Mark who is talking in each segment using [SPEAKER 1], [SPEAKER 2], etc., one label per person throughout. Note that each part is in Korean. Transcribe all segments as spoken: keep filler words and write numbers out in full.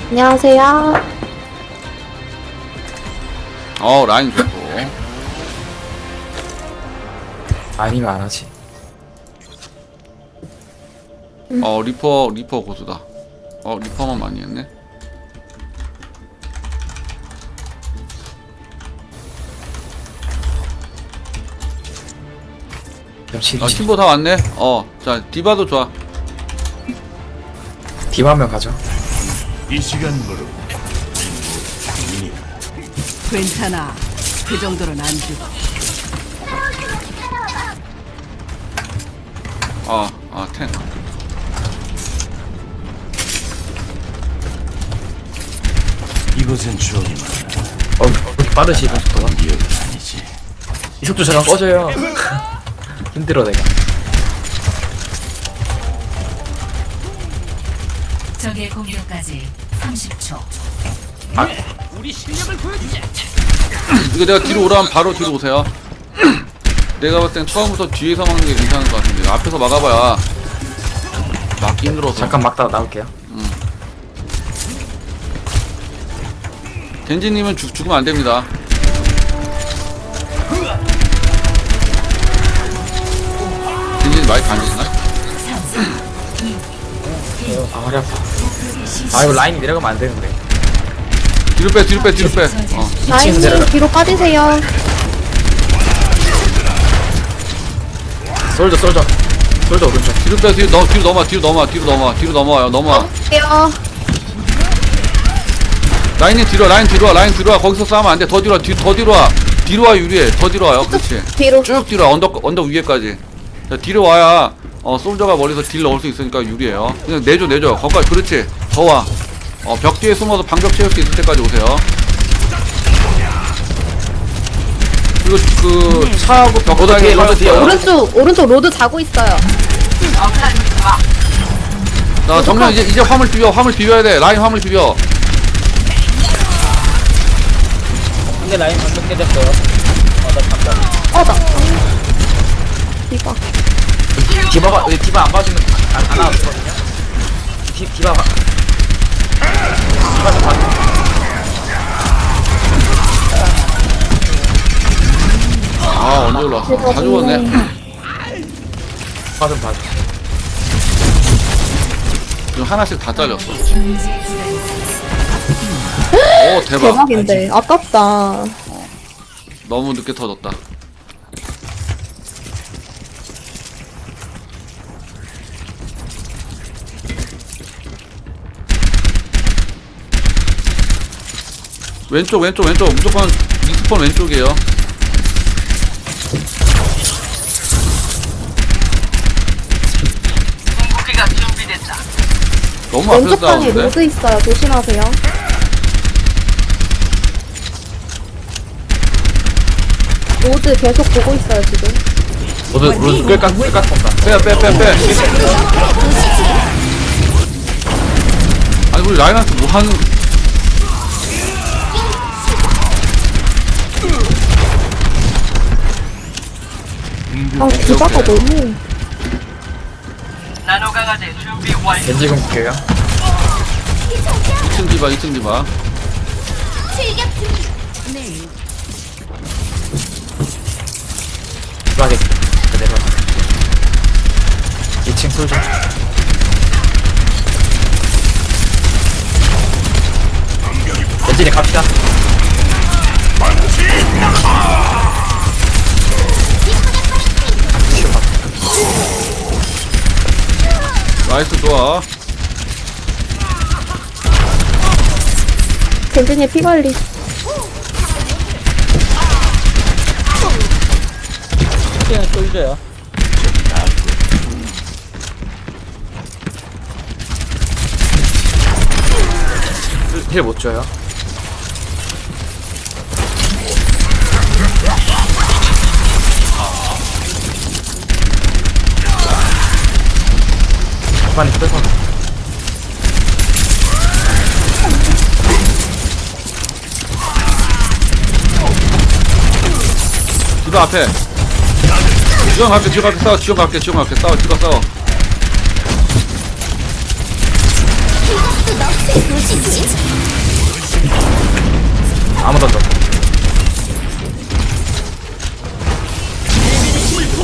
[SPEAKER 1] 안녕하세요.
[SPEAKER 2] 어 라인 좋고.
[SPEAKER 3] 아니면 안 하지.
[SPEAKER 2] 어 리퍼 리퍼 고수다. 어 리퍼만 많이 했네.
[SPEAKER 3] 역시
[SPEAKER 2] 아 팀보 다 왔네. 어자 디바도 좋아.
[SPEAKER 3] 디바면 가죠.
[SPEAKER 4] 이 시간으로
[SPEAKER 5] 괜찮아. 그 정도는 안 죽어.
[SPEAKER 2] 아아 탱.
[SPEAKER 4] 이곳은 추억이 많아.
[SPEAKER 3] 어, 그렇게 빠르시 이번 속도가.
[SPEAKER 4] 기억이 아니지.
[SPEAKER 3] 이 속도 잠깐 꺼져요. 힘들어 내가.
[SPEAKER 6] 적의 공격까지 삼십 초.
[SPEAKER 3] 아,
[SPEAKER 2] 이거 내가 뒤로 오라면 바로 뒤로 오세요. 내가 봤을 땐 처음부터 뒤에서 막는 게 괜찮을 것 같은데 앞에서 막아봐야 막기 힘들어서.
[SPEAKER 3] 잠깐 막다가 나올게요.
[SPEAKER 2] 겐지님은 죽, 죽으면 안 됩니다. 겐지님 마이크 안 되시나?
[SPEAKER 3] 아, 허리 아파. 아, 이거 라인이 내려가면 안 되는데.
[SPEAKER 2] 뒤로 빼 뒤로 빼 뒤로 빼. 어.
[SPEAKER 3] 이층에서 내려가.
[SPEAKER 1] 라인님 뒤로 빠지세요.
[SPEAKER 3] 솔져, 솔져. 솔져, 오른쪽.
[SPEAKER 2] 뒤로 빼 뒤로 넘 뒤로 넘어 뒤로 넘어 뒤로 넘어 뒤로 넘어와요 넘어.
[SPEAKER 1] 할게요.
[SPEAKER 2] 라인이 뒤로 라인 뒤로 와 라인 뒤로 와 거기서 싸우면 안 돼. 더 뒤로 와 뒤, 더 뒤로 와 뒤로 와 유리해 더 뒤로 와요. 그렇지.
[SPEAKER 1] 뒤로.
[SPEAKER 2] 쭉 뒤로 와 언덕 언덕 위에까지. 자, 뒤로 와야 어 솔저가 머리에서 딜 넣을 수 있으니까 유리해요. 그냥 내줘 내줘 거기까지. 그렇지. 더 와. 어 벽 뒤에 숨어서 방벽 채울 수 있을 때까지 오세요. 그리고 그 차하고 벽
[SPEAKER 3] 로드 뒤에, 로드 뒤에.
[SPEAKER 1] 오른쪽 오른쪽 로드 자고 있어요.
[SPEAKER 2] 자 정면 이제 이제 화물 비벼 화물 비벼야 돼. 라인 화물 비벼.
[SPEAKER 7] 근데 라인 방금 깨졌어요. 어, 나 잠깐.
[SPEAKER 1] 어 나. 이봐.
[SPEAKER 3] 디바가, 왜 디바 안 봐주면 안, 안 나왔거든요? 디, 디바가. 디바 좀 봐줘.
[SPEAKER 2] 아 언제 올라왔어? 다 죽었네.
[SPEAKER 3] 디바 좀 봐줘.
[SPEAKER 2] 지금 하나씩 다 잘렸어. 오 대박.
[SPEAKER 1] 대박인데 아깝다.
[SPEAKER 2] 너무 늦게 터졌다. 왼쪽 왼쪽 왼쪽 무조건 리스폰 왼쪽이에요. 너무 앞에서
[SPEAKER 1] 왼쪽 방에
[SPEAKER 2] 싸우는데?
[SPEAKER 1] 로드 있어요. 조심하세요. 로드 계속 보고 있어요 지금.
[SPEAKER 3] 로드, 로드 끌깍, 끌깍 본다.
[SPEAKER 2] 빼 빼 빼 빼. 아니 우리 라인한테 뭐 하는?
[SPEAKER 1] 아 디바가 너무.
[SPEAKER 3] 겐지 공 볼게요.
[SPEAKER 2] 이 층 디바 이 층 디바.
[SPEAKER 3] 디바게. 내려가. 이 층 솔져. 겐지님 갑시다.
[SPEAKER 2] 나이스 좋아.
[SPEAKER 1] 겐진이 피 관리.
[SPEAKER 7] 그냥 쏠져요.
[SPEAKER 3] 힐 못 줘요. 많이 뺏어.
[SPEAKER 2] 디바 앞에. 지원 갈게 지원 갈게 싸워 지원 갈게 지원 갈게 싸워 디바 싸워.
[SPEAKER 8] 이것도 넋이 굳이지.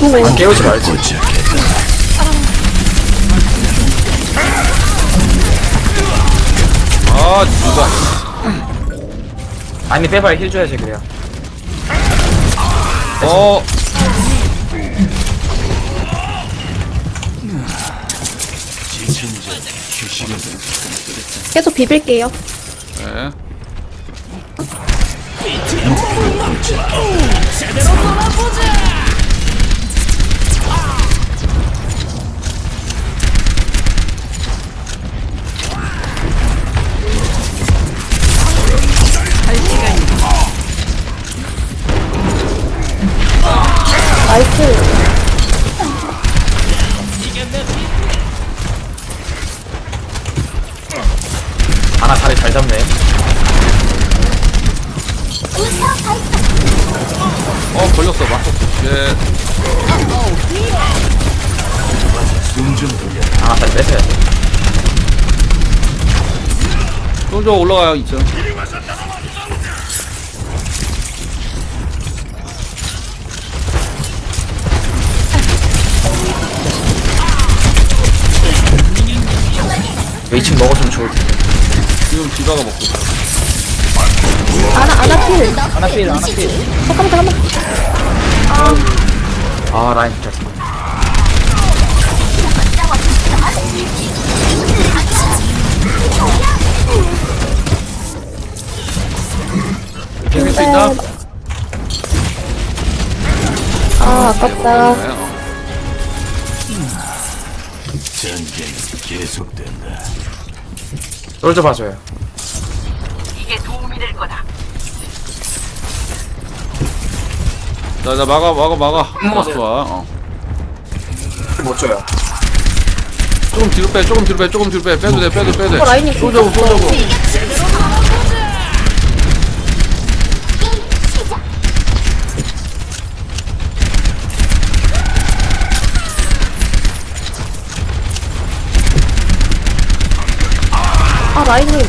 [SPEAKER 1] 아이고.
[SPEAKER 3] 안 깨우지 말지.
[SPEAKER 2] 아 누가
[SPEAKER 3] 아니 빼봐 힐 줘야지 그래야.
[SPEAKER 2] 어
[SPEAKER 4] 지친 자 휴식은
[SPEAKER 1] 계속 비빌게요.
[SPEAKER 2] 네.
[SPEAKER 1] 나이스.
[SPEAKER 3] 아나 다리 잘 잡네.
[SPEAKER 2] 어 걸렸어 맞췄어. 예.
[SPEAKER 4] 숨좀 돌려.
[SPEAKER 3] 아나 다리 뺏어야 돼.
[SPEAKER 2] 솔저 올라가요 이 층.
[SPEAKER 3] 이 층 먹어주면 좋을 텐데.
[SPEAKER 2] 지금 디바가 먹고 있어.
[SPEAKER 1] 아나, 아나 필.
[SPEAKER 7] 하나 필 하나 필.
[SPEAKER 1] 잠깐만, 잠깐만.
[SPEAKER 3] 아 라인 진짜.
[SPEAKER 2] 이길 수 있나?
[SPEAKER 1] 아, 아깝다.
[SPEAKER 2] 네, 어.
[SPEAKER 4] 전쟁 계속된다.
[SPEAKER 3] 솔져 봐줘요.
[SPEAKER 2] 자, 자 막아 막아 막아. 아, 좋아. 어.
[SPEAKER 3] 못 줘요.
[SPEAKER 2] 조금 뒤로 빼, 조금 뒤로 빼, 조금 뒤로 빼. 빼도 돼, 빼도 빼도 돼.
[SPEAKER 1] 어, 라인이
[SPEAKER 2] 쏘자고, 쏘자고.
[SPEAKER 1] 아, 라인님.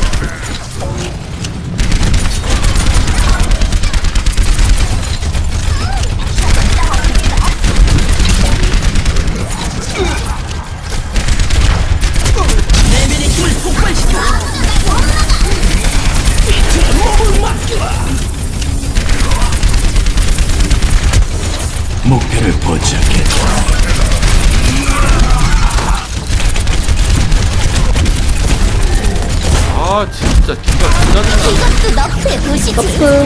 [SPEAKER 4] 목표를 포착했다.
[SPEAKER 2] 아, 진짜 디바 진짜 진짜.
[SPEAKER 1] 너프.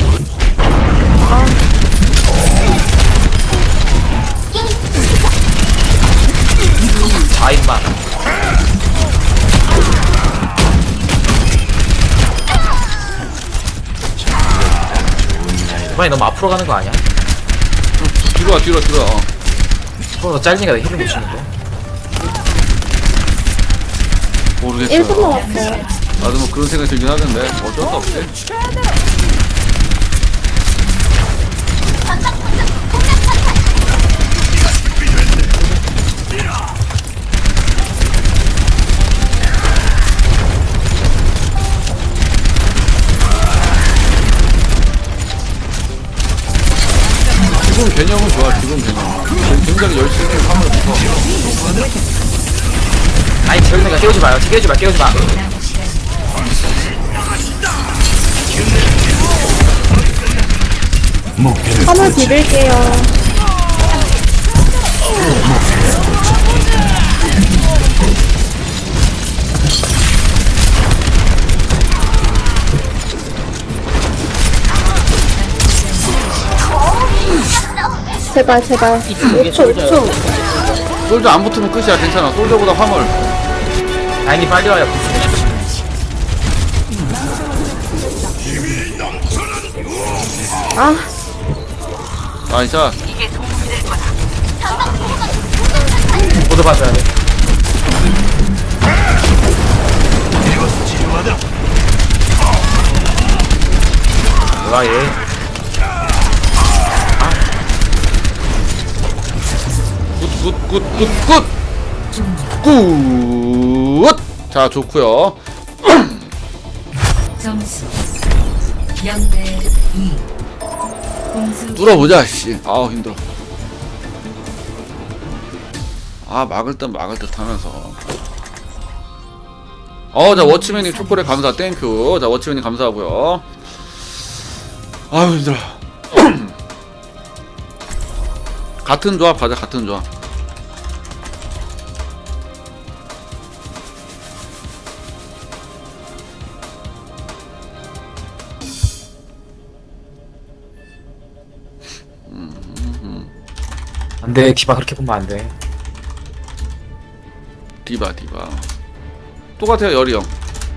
[SPEAKER 3] 아 임마. 이번에 너무 앞으로 가는 거 아니야?
[SPEAKER 2] 뒤로 와, 뒤로 와, 뒤로 와. 어.
[SPEAKER 3] 손으로 잘리니까 힐을 못 치는데.
[SPEAKER 2] 모르겠어.
[SPEAKER 1] 일 분 남았어요.
[SPEAKER 2] 나도 뭐 그런 생각이 들긴 하던데 어쩔 수 없지. 기본 개념은 좋아, 기본 개념. 굉장히 열심히 화물을 붙어.
[SPEAKER 3] 아니 재훈이가 깨우지 마요. 깨우지 마. 깨우지 마.
[SPEAKER 4] 목표를
[SPEAKER 1] 화물 비빌게요. 제발, 제발. 오 초, 오 초.
[SPEAKER 2] 솔저 안 붙으면 끝이야. 괜찮아. 솔저보다 화물.
[SPEAKER 3] 라인이 빨리 와요.
[SPEAKER 1] 아,
[SPEAKER 2] 나이스.
[SPEAKER 3] 모두 봐줘야 돼. 뭐야 얘.
[SPEAKER 2] 굿, 굿, 굿, 굿! 굿! 자, 좋구요.
[SPEAKER 6] 점수 영 대 이. 공수
[SPEAKER 2] 뚫어보자, 씨. 아우, 힘들어. 아 막을 듯 막을 듯 하면서. 어, 자 워치맨님 초콜릿 감사 땡큐. 자 워치맨님 감사하고요. 아유 힘들어. 같은 조합 가자. 같은 조합.
[SPEAKER 3] 안돼 디바 그렇게 보면 안돼.
[SPEAKER 2] 디바 디바 똑같아요. 열이 형.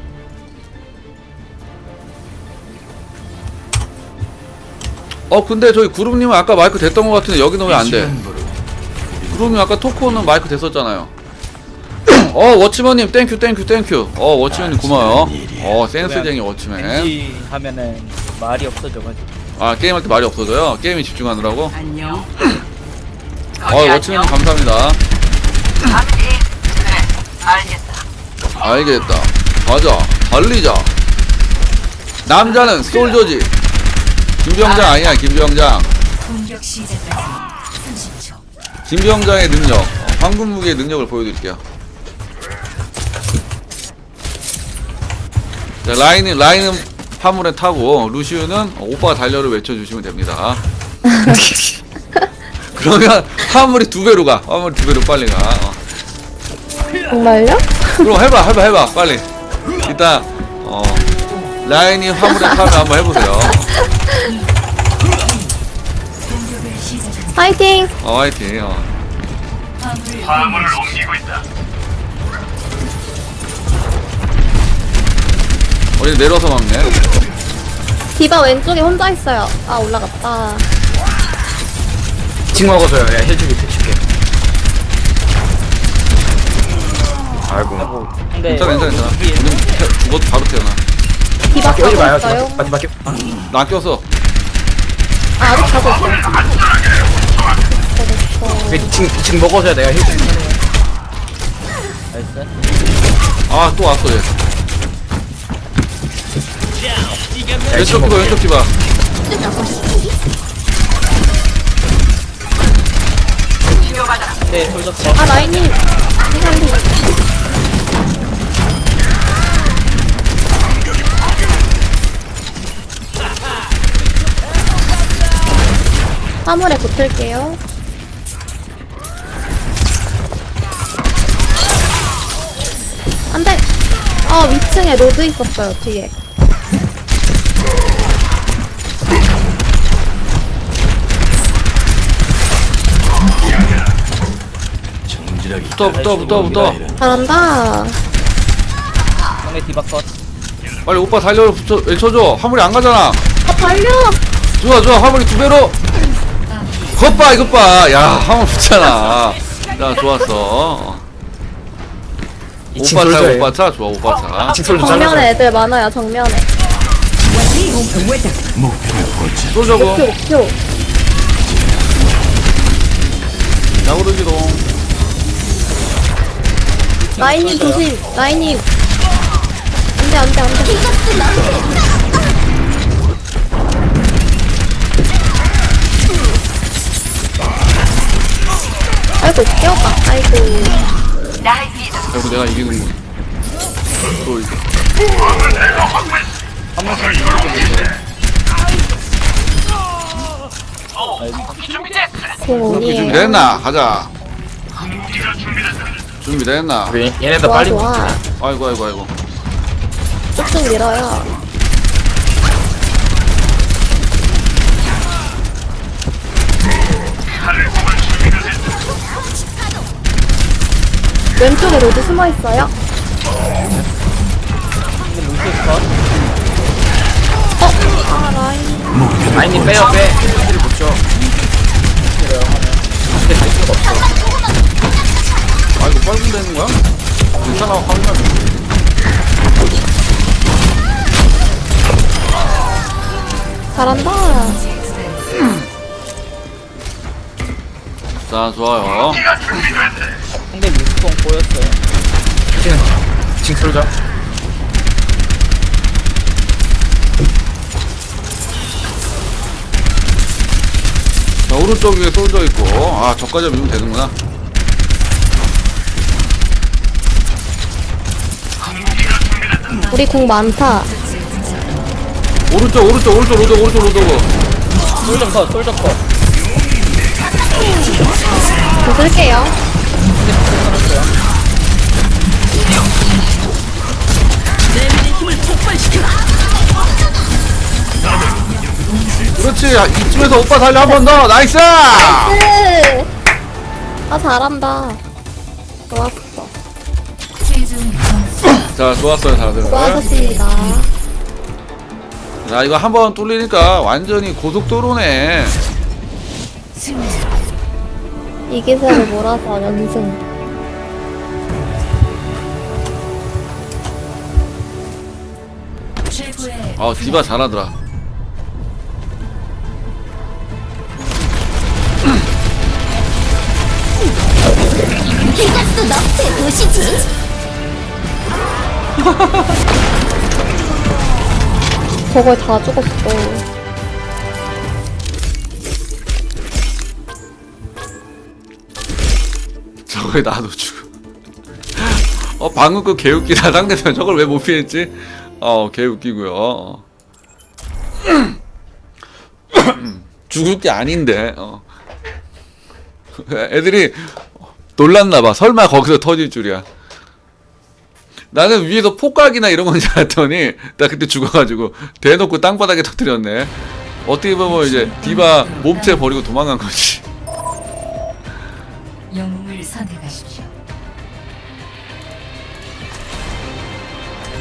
[SPEAKER 2] 어 근데 저희 구름님은 아까 마이크 됐던 것 같은데 여기는 왜 안 돼? 구름님 아까 토크는 마이크 됐었잖아요. 어 워치맨님 땡큐 땡큐 땡큐. 어 워치맨님 고마워요. 어 센스쟁이 워치맨.
[SPEAKER 7] 왠지 하면은 말이 없어져가지고.
[SPEAKER 2] 아 게임할 때 말이 없어져요? 게임에 집중하느라고?
[SPEAKER 5] 안녕.
[SPEAKER 2] 어 워치맨님 감사합니다. 알겠다. 가자. 달리자. 남자는 솔저지. 김병장 아니야. 김병장.
[SPEAKER 6] 공격 시작까지 삼십 초.
[SPEAKER 2] 김병장의 능력. 어, 황금 무기의 능력을 보여드릴게요. 자 라인은 라인은 화물에 타고 루시우는 오빠 달려를 외쳐주시면 됩니다. 그러면 화물이 두 배로 가. 화물이 두 배로 빨리 가. 어.
[SPEAKER 1] 정말요?
[SPEAKER 2] 그럼 해봐 해봐 해봐 빨리. 일단 어 라인이 화물에 타면 한번 해보세요.
[SPEAKER 6] 공격을 시작합니다.
[SPEAKER 1] 파이팅!
[SPEAKER 2] 어 화이팅. 어.
[SPEAKER 6] 화물을 옮기고 있다.
[SPEAKER 2] 어디 내려서 막네.
[SPEAKER 1] 디바 왼쪽에 혼자 있어요. 아 올라갔다.
[SPEAKER 3] 칭 먹어줘요. 야 해주기 해줄게. 아이고.
[SPEAKER 7] 하고. 근데
[SPEAKER 2] 괜찮아 괜찮아 괜찮아.
[SPEAKER 7] 여기
[SPEAKER 2] 우린 태- 죽어도 바로 태어나.
[SPEAKER 1] 디바
[SPEAKER 3] 깨우지 마요.
[SPEAKER 1] 가고 있어요.
[SPEAKER 3] 디바 디바
[SPEAKER 2] 나 꼈어.
[SPEAKER 1] 아 아직 가고 있어요. 됐어.
[SPEAKER 3] 칭칭 먹어줘야 내가 해줄게.
[SPEAKER 7] 나이스.
[SPEAKER 2] 아 또 왔어 얘. 왼쪽 디바 왼쪽 디바.
[SPEAKER 7] 네 돌졌어.
[SPEAKER 1] 아 라인님 빨리. 화물에 붙을게요. 안돼. 아 위층에 로드 있었어요 뒤에.
[SPEAKER 4] 정질하기
[SPEAKER 2] 붙어 붙어 붙어 붙어.
[SPEAKER 1] 잘한다.
[SPEAKER 7] 상대 디바 컷.
[SPEAKER 2] 빨리 오빠 달려를 붙여 외쳐줘. 화물이 안 가잖아.
[SPEAKER 1] 아 달려.
[SPEAKER 2] 좋아 좋아 화물이 두 배로. 것 봐 이것 봐. 야 화물 붙잖아. 야 좋았어.
[SPEAKER 3] 이층
[SPEAKER 2] 오빠 차
[SPEAKER 3] 솔저예요.
[SPEAKER 2] 오빠 차 좋아 오빠 차.
[SPEAKER 3] 이층 솔저
[SPEAKER 1] 정면에
[SPEAKER 3] 잘라줘.
[SPEAKER 1] 애들 많아요 정면에.
[SPEAKER 4] 목표를 포착.
[SPEAKER 2] 쏘자고.
[SPEAKER 1] 목표 목표.
[SPEAKER 2] 야구르기동.
[SPEAKER 1] 라인님 조심. 라인님. 안돼 안돼 안돼. 아이고 뛰어가. 아이고.
[SPEAKER 2] 결국 내가 이기는군. 또 이거.
[SPEAKER 1] 공원이에요.
[SPEAKER 2] 준비됐나? 가자. 준비됐나?
[SPEAKER 3] 우리 얘네들
[SPEAKER 1] 좋아
[SPEAKER 3] 빨리
[SPEAKER 1] 좋아.
[SPEAKER 2] 아이고 아이고 아이고.
[SPEAKER 1] 쭉쭉 밀어요. 왼쪽에 로드 숨어 있어요.
[SPEAKER 7] 근데 루시우 컷.
[SPEAKER 1] 어? 아 라인.
[SPEAKER 3] 아니 빼요 빼. 힐을 못 줘. 근데 갈 수가 없어.
[SPEAKER 2] 아 이거 빨리 되는 거야? 괜찮아 하면.
[SPEAKER 1] 잘한다.
[SPEAKER 2] 자 좋아요.
[SPEAKER 7] 상대 루시우 보였어요.
[SPEAKER 3] 칭 칭 솔저.
[SPEAKER 2] 자 오른쪽 위에 쏠져 있고. 아 저까지 밀면 되는구나.
[SPEAKER 1] 우리 공 많다.
[SPEAKER 2] 오른쪽 오른쪽 오른쪽 오른쪽 오른쪽 오른쪽.
[SPEAKER 7] 솔좀 컷, 솔좀 컷.
[SPEAKER 1] 저 쓸게요.
[SPEAKER 2] 그렇지. 야, 이쯤에서 오빠 살려 한 번 더. 나이스.
[SPEAKER 1] 으! 아, 잘한다. 좋았어.
[SPEAKER 6] 최종 점수
[SPEAKER 2] 자, 좋았어요 다들.
[SPEAKER 1] 수고하셨습니다.
[SPEAKER 2] 자, 이거 한 번 뚫리니까 완전히 고속도로네.
[SPEAKER 6] 승리.
[SPEAKER 1] 이 기세를 몰아서 연승.
[SPEAKER 6] 최고의
[SPEAKER 2] 아, 디바 잘하더라.
[SPEAKER 1] 이것도 너의 도시지. 저걸 다 죽었어.
[SPEAKER 2] 저거에 나도 죽어. 어, 방금 그 개웃기다. 상대편 저걸 왜 못 피했지? 어, 개웃기고요. 어. 죽을 게 아닌데. 어. 애들이 놀랐나봐. 설마 거기서 터질 줄이야. 나는 위에서 폭각이나 이런 건 줄 알았더니 나 그때 죽어가지고 대놓고 땅바닥에 터뜨렸네. 어떻게 보면 이제 디바 몸체 버리고 도망간 거지.